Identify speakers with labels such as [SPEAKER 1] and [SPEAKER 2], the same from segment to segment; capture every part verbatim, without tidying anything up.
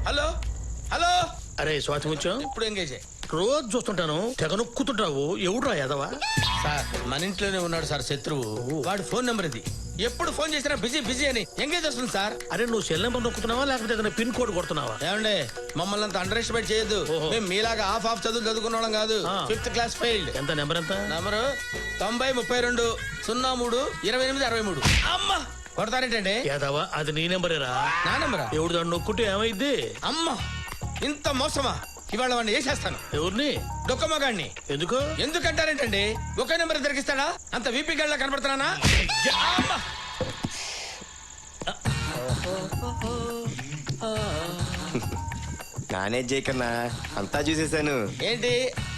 [SPEAKER 1] Hello hello.
[SPEAKER 2] అరే స్వాతి ముత్యం,
[SPEAKER 1] ఇప్పుడు ఎంగేజ్
[SPEAKER 2] రోజు చూస్తుంటాను తెగ నొక్కుతుంటావు. ఎవడురా యాదవా?
[SPEAKER 1] సార్ మన ఇంట్లోనే ఉన్నాడు సార్ శత్రువు. వాడు ఫోన్ నెంబర్ ఇది. ఎప్పుడు ఫోన్ చేసినా బిజీ బిజీ అని ఎంగేజ్ వస్తుంది సార్.
[SPEAKER 2] అరే నువ్వు సెల్ నెంబర్ నొక్కుతున్నావా లేకపోతే ఏదైనా పిన్ కోడ్ కొడుతున్నావా?
[SPEAKER 1] ఏమండే మమ్మల్ని అంత అండర్ ఎస్టిమేట్ చేయొద్దు. మేము మీలాగా హాఫ్ హాఫ్ చదువు చదువుకున్న వాళ్ళం కాదు. Fifth class failed.
[SPEAKER 2] ఎంత నెంబర్ ఎంత?
[SPEAKER 1] నెంబరు తొంభై ముప్పై రెండు సున్నా మూడు ఇరవై ఎనిమిది అరవై మూడు. అమ్మా కొడతారేంటండి?
[SPEAKER 2] యాదవా అది నీ నెంబరేరా?
[SPEAKER 1] నా నెంబరా?
[SPEAKER 2] ఎవడు దాన్ని నొక్కుంటే ఏమైద్ది?
[SPEAKER 1] అమ్మా ఇంత మోసమా? ఇవాళ వాడిని వేసేస్తాను.
[SPEAKER 2] ఎవరిని?
[SPEAKER 1] డొక్కమ్మగాడిని.
[SPEAKER 2] ఎందుకు?
[SPEAKER 1] ఎందుకంటారేంటండి? ఒకే నెంబర్ దొరికిస్తాడా? అంత వీపీ గడ్లా కనపడుతున్నానా?
[SPEAKER 3] మేనేజ్ చేయకన్నా అంతా చూసేసాను.
[SPEAKER 1] ఏంటి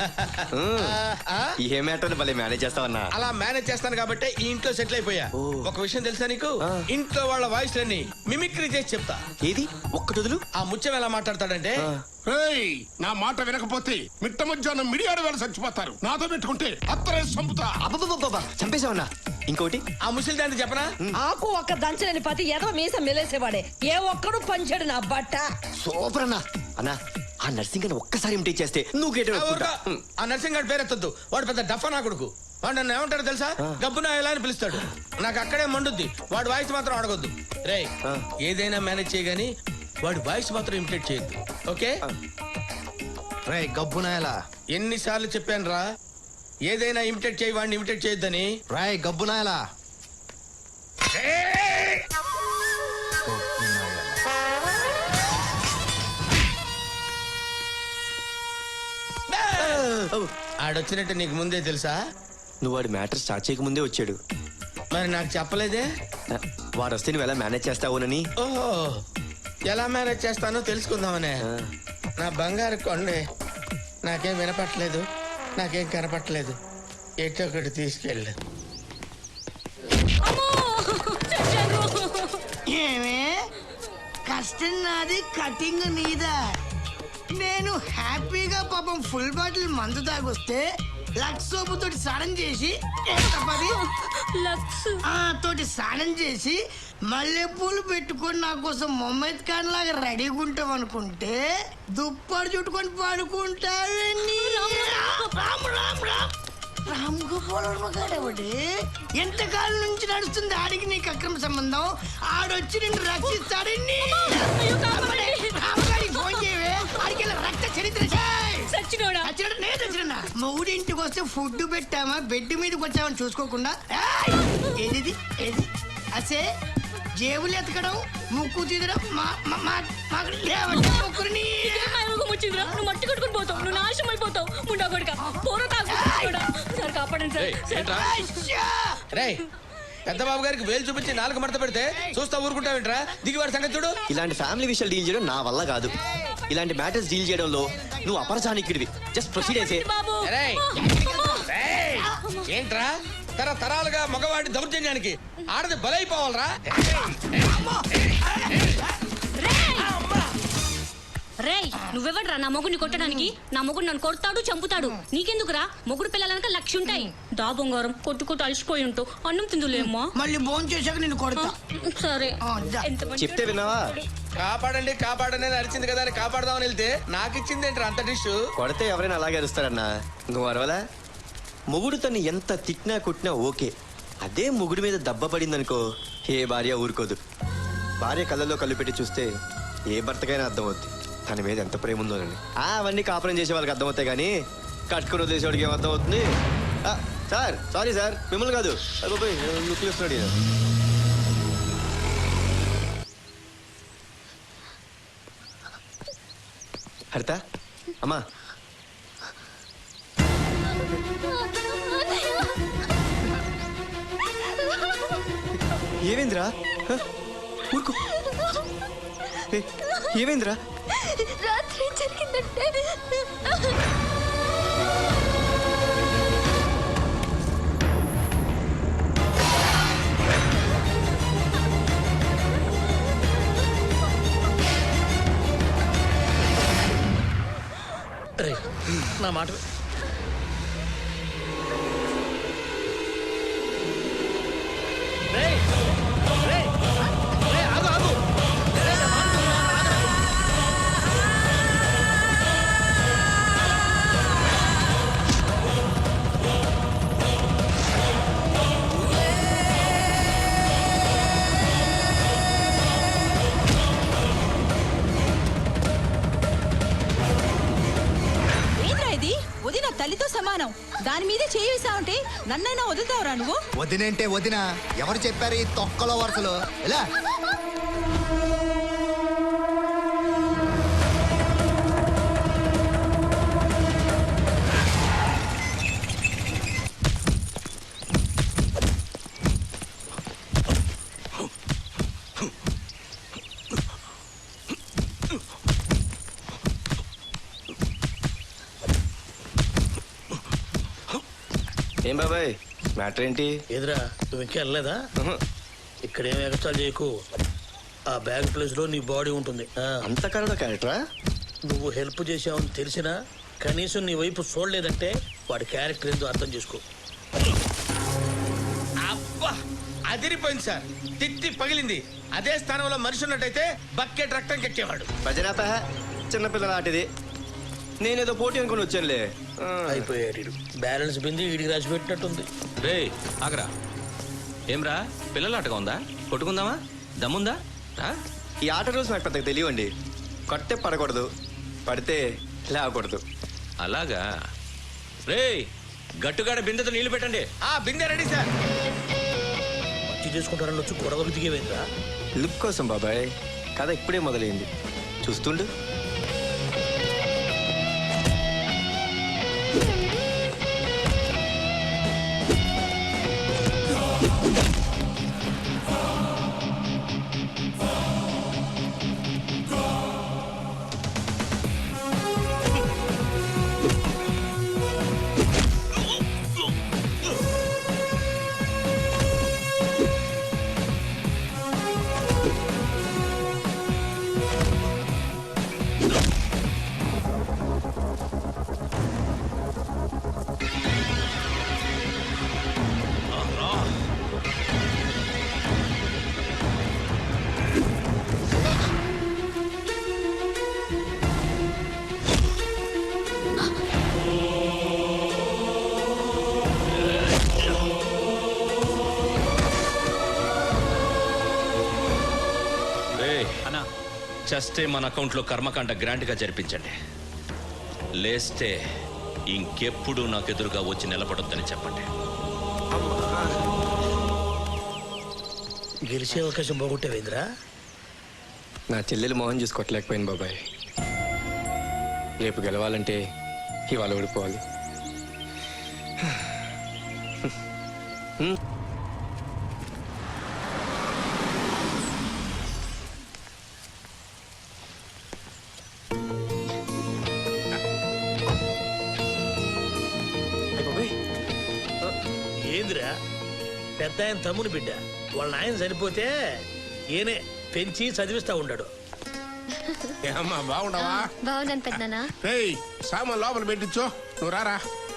[SPEAKER 3] ఏ మ్యాటర్ భలే మేనేజ్ చేస్తావన్నా?
[SPEAKER 1] అలా మేనేజ్ చేస్తాను కాబట్టి ఈ ఇంట్లో సెటిల్ అయిపోయా. ఒక విషయం తెలుసా నీకు? ఇంట్లో వాళ్ళ వాయిస్ లన్నీ మిమిక్రీ చేసి చెప్తా.
[SPEAKER 3] ఏది ఒక్కటి వదులు.
[SPEAKER 1] ఆ ముత్యం ఎలా మాట్లాడతాడంటే,
[SPEAKER 4] నా మాట వినకపోతే మిట్ట మధ్యాహ్నం మిడియాడు వేళ చచ్చిపోతారు. నాతో పెట్టుకుంటే అత్తరే చంపుతా.
[SPEAKER 3] అబ్బబ్బబ్బబ్బా చంపేశావన్నా. ఇంకోటి
[SPEAKER 1] ఆ ముసలి దాన్ని చెప్పనా?
[SPEAKER 5] ఆకు ఒక్క దంచలేని పతి ఏదో మీసం మెలేసేవాడే. ఏ ఒక్కడు పంచాడు నా బట్ట.
[SPEAKER 3] సూపర్ అన్నా. అన్నా ఆ నర్సింగ్ అని ఒక్కసారి ఇమిటేట్ చేస్తే నువ్వు గేట్
[SPEAKER 1] ఆ నర్సింగ్ గారి పేరెత్తద్దు. వాడు పెద్ద డఫా నా కొడుకు. వాడు నన్ను ఏమంటాడు తెలుసా? గబ్బున ఎలా అని పిలుస్తాడు. నాకు అక్కడే మండుద్ది. వాడు వాయిస్ మాత్రం అడగొద్దు. రే ఏదైనా మేనేజ్ చేయగాని వాడి వాయిస్ మాత్రం ఇమిటేట్ చేయొద్దు. ఓకే?
[SPEAKER 6] రే గబ్బునాయలా,
[SPEAKER 1] ఎన్నిసార్లు చెప్పాను రా ఏదైనా ఇమిటేట్ చేయి, వాడిని ఇమిటేట్ చేయొద్దని.
[SPEAKER 6] రాయ్ గబ్బునాయలా.
[SPEAKER 1] ఆడొచ్చినట్టు నీకు ముందే తెలుసా?
[SPEAKER 3] నువ్వు వాడి మ్యాటర్ స్టార్ట్ చేయక ముందే వచ్చాడు.
[SPEAKER 1] మరి నాకు చెప్పలేదే?
[SPEAKER 3] వాడు వస్తే నువ్వు ఎలా మేనేజ్ చేస్తావునని.
[SPEAKER 1] ఓహో ఎలా మేనేజ్ చేస్తానో తెలుసుకుందామనే. నా బంగారు కొండే నాకేం వినపట్లేదు, నాకేం కనపట్లేదు. ఎటో ఒకటి తీసుకెళ్ళు.
[SPEAKER 7] ఏమే కష్టం నాది, కటింగ్ నీదా. నేను హ్యాపీగా పాపం ఫుల్ బాటిల్ మందు తాగొస్తే లక్స్ సోపు తోటి స్నానం చేసి ఆ తోటి స్నానం చేసి మల్లెపూలు పెట్టుకొని నా కోసం మొహమ్మద్ ఖాన్ లాగా రెడీగా ఉంటాం అనుకుంటే దుప్పటి చుట్టుకొని పడుకుంటాడు. రామ్ గోపాల్ ఎంతకాలం నుంచి నడుస్తుంది ఆడికి నీకు అక్రమ సంబంధం. ఆడొచ్చి నిన్ను రక్షిస్తాడని ఫోన్ చేయవే. ఆడికి రక్త చరిత్ర మూడింటికి వస్తే ఫుడ్ పెట్టామా బెడ్ మీదకి వచ్చామని చూసుకోకుండా ఏది ఏది అసే జేబులు ఎతకడం, ముక్కు తీదడం, ముక్కుని
[SPEAKER 8] మట్టి కొట్టుకుని పోతావు. నువ్వు నాశనం అయిపోతావు. ముండా కొడుక పోర సార్ కాపాడండి సార్.
[SPEAKER 1] రే పెద్ద బాబు గారికి వేలు చూపించి నాలుగు మడత పెడితే చూస్తా ఊరుకుంటావేంట్రా? దిగివాడి సంగతి చూడు.
[SPEAKER 3] ఇలాంటి ఫ్యామిలీ విషయాలు డీల్ చేయడం నా వల్ల కాదు. ఇలాంటి మ్యాటర్స్ డీల్ చేయడంలో నువ్వు అపరచానికిడివి. జస్ట్ ప్రొసీడ్ అయితే.
[SPEAKER 1] ఏంట్రా తరతరాలుగా మగవాడి దౌర్జన్యానికి ఆడది బలైపోవాలరా?
[SPEAKER 8] రేయ్ నువ్వెవడ్రా నా మొగుడిని కొట్టడానికి? నా మొగుడు నన్ను కొడతాడు, చంపుతాడు. నీకెందుకురా? మొగుడు పిల్లలనక లక్ష ఉంటాయి. దా బంగారం కొట్టుకుంటూ అలసిపోయి ఉంటావు. అన్నం తిందులేమ్మా.
[SPEAKER 7] మళ్ళీ భోజనం చేశాక నేను కొడతా.
[SPEAKER 8] సరే
[SPEAKER 3] చెప్తే విన్నావా?
[SPEAKER 1] కాపాడండి కాపాడని అరిచింది కదా అని కాపాడదామని వెళ్తే నాకు ఇచ్చింది ఏంట్రా అంత డిష్?
[SPEAKER 3] కొడితే ఎవరైనా అలాగే అరుస్తారన్నా. నువ్వు అరవలా? మొగుడు తను ఎంత తిట్టినా కొట్టినా ఓకే. అదే మొగుడు మీద దెబ్బ పడిందనుకో ఏ భార్య ఊరుకోదు. భార్య కళ్ళల్లో కళ్ళు పెట్టి చూస్తే ఏ భర్తకైనా అర్థమవుద్ది తన మీద ఎంత ప్రేమ ఉందోనని. అవన్నీ కాపురం చేసే వాళ్ళకి అర్థమవుతాయి కానీ కట్టుకుని వదిలేసేవాడికి ఏం అర్థం అవుతుంది? సార్ సారీ సార్, మిమ్మల్ని కాదు. చూస్తున్నాడు హరిత అమ్మా. ఏవేంద్రా ఊరుకో. ఏవేంద్రా
[SPEAKER 8] రాత్రి జరిగిందంటే
[SPEAKER 2] నా మాట
[SPEAKER 9] సమానం. దాని మీదే చేయిస్తావంటే నన్నైనా వదులుతావురా నువ్వు?
[SPEAKER 6] వదినంటే వదిన. ఎవరు చెప్పారు ఈ తొక్కలో వరుసలు? ఎలా?
[SPEAKER 3] ఏం బాబాయ్ మ్యాటర్ ఏంటి?
[SPEAKER 2] ఎదురా నువ్వు ఇంకా వెళ్ళలేదా?
[SPEAKER 3] ఉహు.
[SPEAKER 2] ఇక్కడ ఏం ఎగస్ట్రా చేయకు. ఆ బ్యాగ్ ప్లేస్ లో నీ బాడీ ఉంటుంది. ఆ,
[SPEAKER 3] అంత కరడ క్యారెక్టరా?
[SPEAKER 2] నువ్వు హెల్ప్ చేసావని తెలిసినా కనీసం నీ వైపు చూడలేదంటే వాడి క్యారెక్టర్ ఏందో అర్థం చేసుకో.
[SPEAKER 1] అబ్బా అదిరిపోయింది సార్. తిట్టి పగిలింది. అదే స్థానంలో మనిషి ఉన్నట్టయితే బకెట్ రక్తం కెక్కేవాడు.
[SPEAKER 3] భజనాప చిన్నపిల్లల ఆటిది. నేనేదో పోటీ అనుకుని వచ్చానులే. ఆ.
[SPEAKER 2] అయిపోయాడు ఈడు. బ్యాలెన్స్ బింది వీడికి రాసి పెట్టినట్టుంది.
[SPEAKER 10] రే ఆగరా. ఏమ్రా పిల్లల ఆటగా ఉందా? కొట్టుకుందామా? దమ్ముందా? రా.
[SPEAKER 3] ఈ ఆట రూల్స్ నాకు పెద్దగా తెలియండి. కొట్టే పడకూడదు, పడితే లేవకూడదు.
[SPEAKER 10] అలాగా. రే గట్టుగాడ బిందెతో నీళ్లు పెట్టండి.
[SPEAKER 1] ఆ బిందె రెడీ సార్.
[SPEAKER 2] మంచి చేసుకుంటారని వచ్చి గొడవకు దిగేవేంద్రా?
[SPEAKER 3] లుక్ కోసం బాబాయ్. కథ ఇప్పుడే మొదలైంది, చూస్తుండు.
[SPEAKER 10] చస్తే మన అకౌంట్లో కర్మకాండ గ్రాంట్ గా జరిపించండి. లేస్తే ఇంకెప్పుడు నాకు ఎదురుగా వచ్చి నిలబడొద్దని చెప్పండి.
[SPEAKER 2] గెలిచే అవకాశం పోగొట్టేవేంద్రా?
[SPEAKER 3] నా చెల్లెలు మోహన్ చూసి కొట్టలేకపోయింది బాబాయ్. రేపు గెలవాలంటే ఇవాళ ఓడిపోవాలి.
[SPEAKER 2] ఏందిరా పెద్ద ఆయన తమ్ముని బిడ్డ. వాళ్ళ నాయన చనిపోతే ఈయనే పెంచి చదివిస్తా ఉన్నాడు.
[SPEAKER 4] ఏమ్మా బాగుండవా?
[SPEAKER 8] బాగున్నాను పెద్దనా.
[SPEAKER 4] రేయ్ సామాన్ లోపల పెట్టించు, నువ్వు రారా.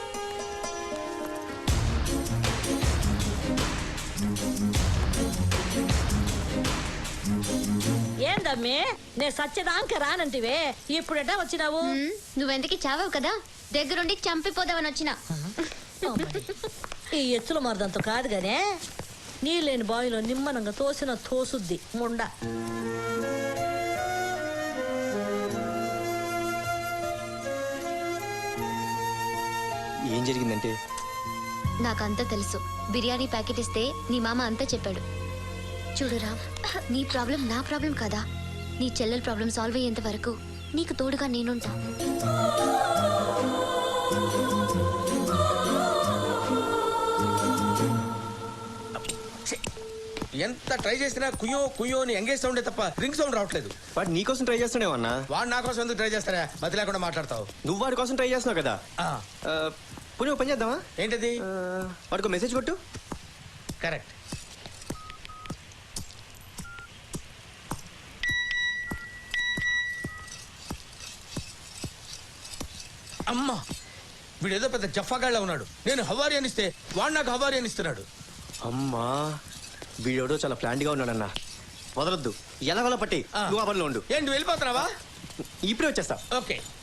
[SPEAKER 5] ఏందమ్మి నే సత్యదాంక రానంటివే ఇప్పుడెట వచ్చినావు?
[SPEAKER 8] నువ్వెందుకు చావావు కదా, దగ్గరుండి చంపిపోదామని వచ్చిన.
[SPEAKER 5] ఈ ఎచ్చుల మరదంతో కాదు గానే నీళ్ళేని బావిలో నిమ్మనంగా తోసిన తోసుద్ది ముండ.
[SPEAKER 3] ఏం జరిగిందంటే
[SPEAKER 8] నాకంతా తెలుసు. బిర్యానీ ప్యాకెట్ ఇస్తే నీ మామ అంతా చెప్పాడు. చూడు రామ్, నీ ప్రాబ్లం నా ప్రాబ్లం కదా. నీ చెల్లెల ప్రాబ్లం సాల్వ్ అయ్యేంత వరకు నీకు తోడుగా నేనుంటా.
[SPEAKER 1] ఎంత ట్రై చేసినా కుయ్యో కుయ్యో అని ఎంగేజ్ సౌండే తప్ప రింగ్ సౌండ్ రావట్లేదు.
[SPEAKER 3] వాడు నీ కోసం ట్రై చేస్తున్నావన్నా.
[SPEAKER 1] వాడు నా కోసం ఎందుకు ట్రై చేస్తారా? మతి లేకుండా మాట్లాడతావు.
[SPEAKER 3] నువ్వు వాడి కోసం ట్రై చేస్తున్నావు కదా.
[SPEAKER 1] ఆ,
[SPEAKER 3] ఆ, పోనీ ఓ పని చేద్దామా?
[SPEAKER 1] ఏంటది?
[SPEAKER 3] ఆ, వాడికి మెసేజ్ కొట్టు.
[SPEAKER 1] కరెక్ట్. అమ్మా వీడేదో పెద్ద జఫాగాళ్ళ ఉన్నాడు. నేను హవారి అనిస్తే వాడు నాకు హవారి అనిస్తున్నాడు.
[SPEAKER 3] అమ్మా వీడెవడో చాలా ప్లాంట్ గా ఉన్నాడన్నా. వదలొద్దు, ఎలా వల్ల పట్టి
[SPEAKER 1] ఆ.
[SPEAKER 3] నువ్వు ఆ పనిలో ఉండు.
[SPEAKER 1] ఏంటి వెళ్ళిపోతున్నావా?
[SPEAKER 3] ఇప్పుడే వచ్చేస్తా.
[SPEAKER 1] ఓకే